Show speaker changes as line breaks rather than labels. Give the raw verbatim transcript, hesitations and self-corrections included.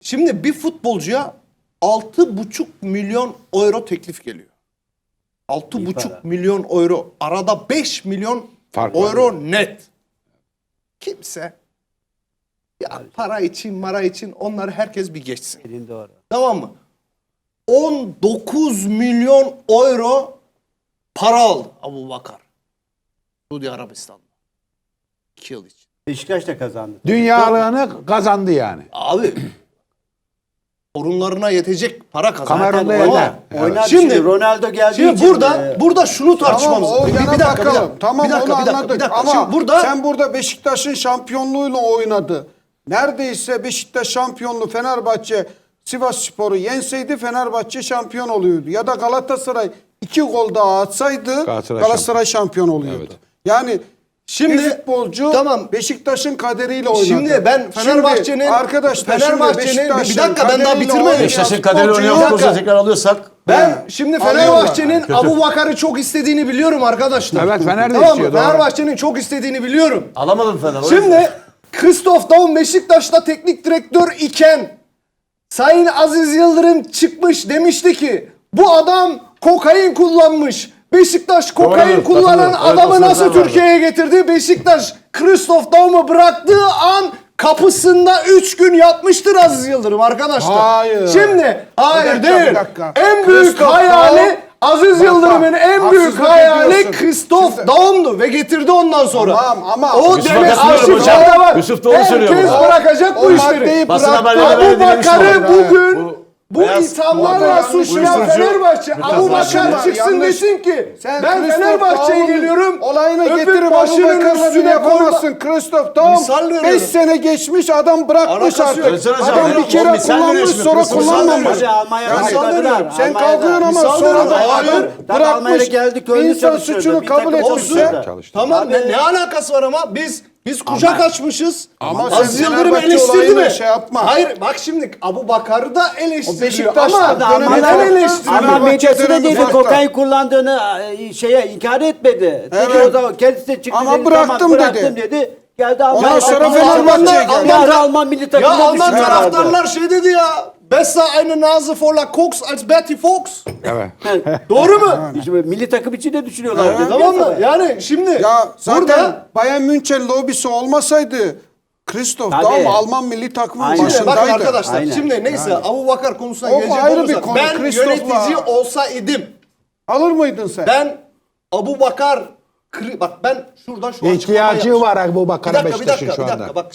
Şimdi bir futbolcuya altı buçuk milyon euro teklif geliyor. altı buçuk milyon euro. Arada beş milyon
Fark var
euro net. Kimse ya para için, mara için onları herkes bir geçsin.
Elin doğru.
Tamam mı? on dokuz milyon euro para aldı Abubakar. Suudi Arabistan'da. iki yıl için.
Beşiktaş da kazandı.
Dünyalığını kazandı yani.
Abi torunlarına yetecek para kazandı.
Kamerun'da
Tamam.
yeter.
Oynar
Şimdi-
şimdi Ronaldo geldiği
Şimdi
için
burada
e,
burada şunu tartışmamız.
Tamam, o
bir, bir
yana
dakika, bir
bakalım.
dakika.
Tamam,
bir dakika,
onu
bir dakika,
anladık.
bir dakika.
Ama
Şimdi burada
sen burada Beşiktaş'ın şampiyonluğuyla oynadı. Neredeyse Beşiktaş şampiyonluğu Fenerbahçe Sivasspor'u yenseydi Fenerbahçe şampiyon oluyordu. Ya da Galatasaray iki gol daha atsaydı
Galatasaray
Galatasaray, şampiyon oluyordu.
Evet.
Yani
Şimdi-
bir futbolcu
tamam.
Beşiktaş'ın kaderiyle oynadı.
Şimdi ben Fenerbahçe'nin
Şimdi arkadaşlar şimdi
Fenerbahçe'nin
Beşiktaş'ın
bir dakika ben daha
kaderiyle
bitirmedim.
oynayan
Beşiktaş'ın kaderi
futbolcuyu-
oynayan futbolcuları tekrar alıyorsak
Ben
He.
şimdi
Alıyorlar.
Fenerbahçe'nin
Kötü.
Abubakar'ı çok istediğini biliyorum arkadaşlar.
Evet, Fener de
Tamam mı?
istiyor, doğru.
Fenerbahçe'nin çok istediğini biliyorum.
alamadım Fener.
Şimdi Christoph Daum Beşiktaş'ta teknik direktör iken Sayın Aziz Yıldırım çıkmış demişti ki bu adam kokain kullanmış. Beşiktaş kokain
Doğru,
kullanan
katılıyorum. Evet,
adamı
o
nasıl
sözler vardı.
Türkiye'ye getirdi? Beşiktaş Christoph Daum'u bıraktığı an kapısında üç gün yatmıştır Aziz Yıldırım arkadaşlar.
Hayır.
Şimdi hayır
Bir dakika,
değil.
bir dakika.
En büyük
Christoph
hayali
Daum-
Aziz
Bak,
Yıldırım'ın
bak,
en büyük
haksızlık
hayali
ediyorsun.
Christoph
Şimdi-
Daum'du ve getirdi ondan sonra.
Tamam ama-
o
Yusuf'a
demek
katılıyorum hocam.
arşivlerde var.
Yusuf doğru söylüyor
Herkes
burada.
bırakacak bu
O
işleri.
maddeyi
Basın
bıraktı.
haberlerinde böyle
Abubakar'ı
demiştim.
bugün
Bu-
bu
beyaz-
ithamlarla
bu-
suçlayan
uyuşturucu-
Fenerbahçe Abubakar
Yanlış-
çıksın
yanlış.
desin ki
Sen
ben
Christoph
Fenerbahçe'ye
Daum'un
geliyorum.
Olayını
öpüp
getirip
başının
Abubakar'la bunu
üstüne
yapamazsın. Christoph Daum
Misal veriyorum.
beş sene geçmiş adam bırakmış
Alakası
artık.
yok.
Özcan hocam,
Adam
yok,
bir kere
o misal veriyor
kullanmış
şimdi.
sonra
Misal
kullanmamış.
veriyor.
Hadi Almanya'da
Yani
başladılar.
sen
Almanya'da.
kalkıyorsun ama
Misal
sonra
veriyor.
da
Hayır.
adam
Tabii Almanya'da
bırakmış.
geldi, köylü
İnsan
çalışıyordu.
suçunu
Bir
kabul
takım
etmişse.
olsun.
Çalıştı.
Tamam
Abi-
ne, ne alakası var ama biz biz kucak açmışız.
Ama
Aziz
sen
Yıldırım
Fenerbahçe
eleştirdi
olayını
mi?
şey yapma.
Hayır bak şimdi Abubakar'ı da eleştiriyor
Beşiktaş'ta
ama
dönemi-
neden
Alman-
eleştiriyor?
Ama
Fenerbahçe
medyası da
dönemi
dedi
farklı.
kokain kullandığını e, şeye inkar etmedi. Dedi
Evet.
o zaman kendisi de çıktı
Ama
dedi,
bıraktım
tamam, bıraktım
dedi.
dedi. Geldi Alman.
Ondan sonra
Alman-
Fenerbahçe'ye
Alman-
geldi.
Alman, Alman milli
Ya
takımına
Alman
düşüyorlardı.
taraftarlar şey dedi ya. Besser eine Nase voller Koks als Betty Fox.
Evet.
Doğru mu?
İşte böyle milli takım için de düşünüyorlardı.
Tamam mı? Yani şimdi
Ya zaten
burada
Bayern München lobisi olmasaydı Christoph
Tabii.
Daum Alman milli takımının
Aynen.
Şimdi bakın
başındaydı.
arkadaşlar
Aynen.
şimdi neyse Abubakar konusuna
O
gelecek
ayrı bir
olursak
konu,
ben
Christoph'la-
yönetici olsaydım
Alır mıydın sen?
ben Abubakar Kri- bak ben şuradan şu açıklamayı
İhtiyacı
yapmışım.
var
Bir
Abubakar'a
dakika bir
Beşiktaş'ın
dakika
şu
bir
anda.
dakika bak